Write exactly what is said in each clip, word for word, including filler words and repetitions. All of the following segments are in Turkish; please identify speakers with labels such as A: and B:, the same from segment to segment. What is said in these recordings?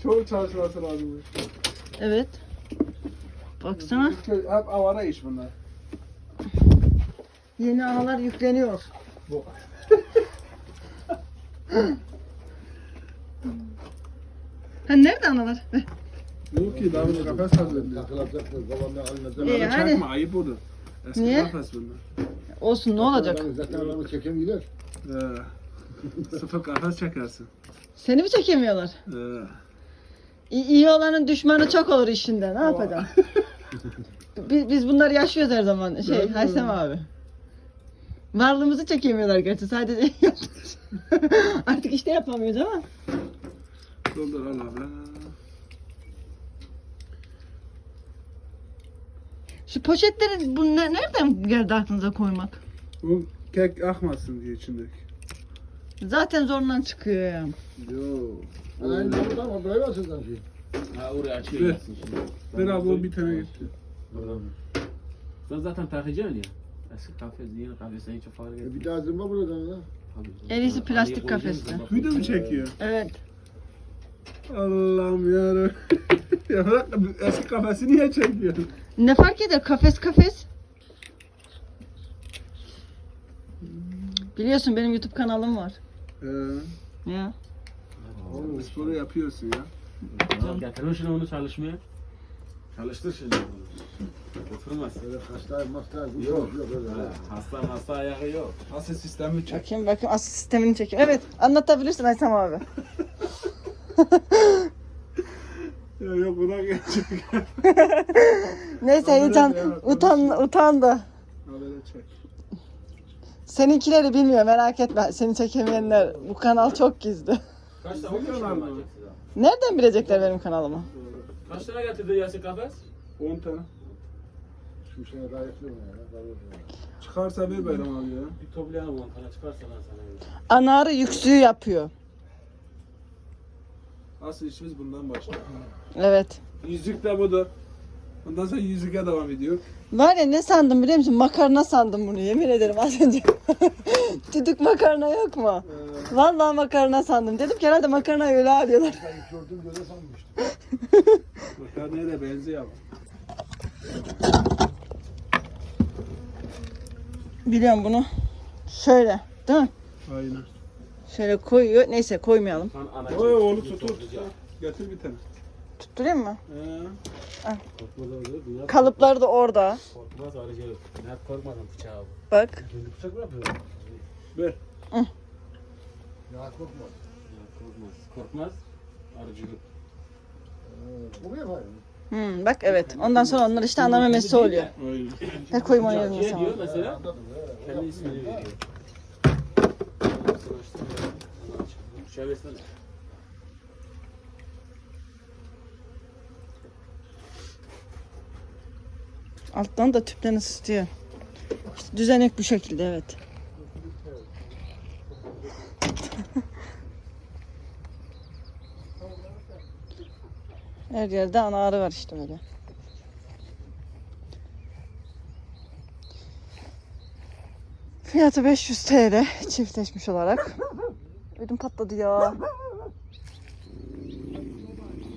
A: Çok çalışması lazım.
B: Evet. Baksana.
A: Hep avara iş bunlar.
B: Yeni ağlar yükleniyor.
A: Bu.
B: Ha nerede analar?
A: Yok ki daha bir kafes hazırlıyor.
B: İyi,
A: Bunları
B: hadi.
A: çakma ayıp olur. Eski
B: Niye?
A: kafes bunlar.
B: Olsun ne olacak?
C: Zaten adamı çekemiyorlar.
A: Ee, sıfır kafes çekersin.
B: Seni mi çekemiyorlar?
A: Ee,
B: İyi, iyi olanın düşmanı çok olur işinde. Ne yapacaksın? biz, biz bunları yaşıyoruz her zaman. Şey,
A: Değil mi?
B: Haysem abi. Varlığımızı çekemiyorlar gerçi. Sadece artık işte yapamıyoruz ama.
A: doldur al abi.
B: Şu poşetleri bu ne, nereden geldi aklınıza koymak?
A: Bu kek akmasın diye içindeki.
B: Zaten zorundan çıkıyor ya.
A: Yo.
C: Aynen burada ama buraya basıyorlar şey.
D: Ha oraya açıyor
A: Ver.
D: yatsın şimdi.
A: Ver abi o bir tane gitti.
D: Sen zaten takacaksın ya. Eski kafes, yeni kafes sen hiç fark
C: E
D: etmiyor.
C: bir daha zımba buradan lan.
B: En iyisi plastik kafeste.
A: Video mu çekiyor?
B: Evet.
A: Allah'ım yarabbim. Ya bırak eski kafesi niye çekiyor?
B: Ne fark eder? Kafes kafes. Biliyorsun benim YouTube kanalım var.
A: Ee,
B: Ya.
A: oğlum sporu yapıyorsun ya.
D: Getirin şimdi onu çalışmaya. Çalıştır şimdi onu. Oturmaz.
C: Böyle hastayım hastayım.
D: Yok yok öyle. Hasta hasta ayağı yok.
A: Asıl sistemi çek.
B: Bakayım bakayım asıl sistemini çekeyim. Evet anlatabilirsin Aysam abi.
A: Ya yok buna geçecek.
B: Neyse
A: Habere
B: heyecan
A: de evet,
B: utan utandı.
A: Habere çek.
B: Seninkileri bilmiyor merak etme. Seni çekemeyenler bu kanal çok gizli.
D: Kaç
A: tane
D: tane
A: mı?
B: Nereden bilecekler benim kanalımı?
D: Kaç tane getirdi Yasin kafes?
A: on tane.
C: Şu şeye daha yapıyorum ya.
A: Çıkarsa ver bayram abi ya.
D: Bir toplayalım on tane çıkarsa lan sana.
B: Anarı yüksüğü yapıyor.
A: Asıl işimiz bundan başlıyor.
B: Evet.
A: Yüzük de budur. Ondan sonra yüzüke devam ediyor.
B: Var ya ne sandım biliyor musun? Makarna sandım bunu yemin ederim az önce. Düdük makarna yok mu?
A: Ee,
B: Vallahi makarna sandım. Dedim ki herhalde makarnayı öyle arıyorlar.
C: Ben ilk gördüğüm göre sanmıştım.
A: makarnaya da benziyor ama.
B: Biliyorum bunu. Şöyle değil mi?
A: Aynen.
B: Şöyle koyuyor. Neyse koymayalım.
A: Oy oğlu tutur. Getir bir tane.
B: Tutturayım mı?
A: Ee,
B: Kalıplar da orada.
D: Korkmaz arıcı. Ne yap korkmadan bıçağı.
B: Bak.
C: Kendi bıçak mı yapıyor?
A: ver.
C: Ya korkma.
D: Korkmaz. Korkmaz. Arıcı.
C: Bu mu yapar?
B: Hmm, bak evet. Ondan sonra onlar işte ana memesi oluyor.
A: Aynen.
B: Ver koyayım onu
D: Bıçak
B: yerine
D: diye
B: sana.
D: diyor mesela.
C: Anladım. he.
D: Kendi ismini veriyor. Bıçağı versene.
B: Alttan da tüpten ısıtıyor. İşte düzenek bu şekilde evet. Her yerde ana arı var işte böyle. Fiyatı beş yüz T L çiftleşmiş olarak. Ödüm patladı ya.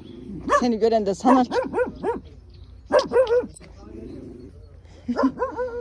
B: Seni gören de sanar ki.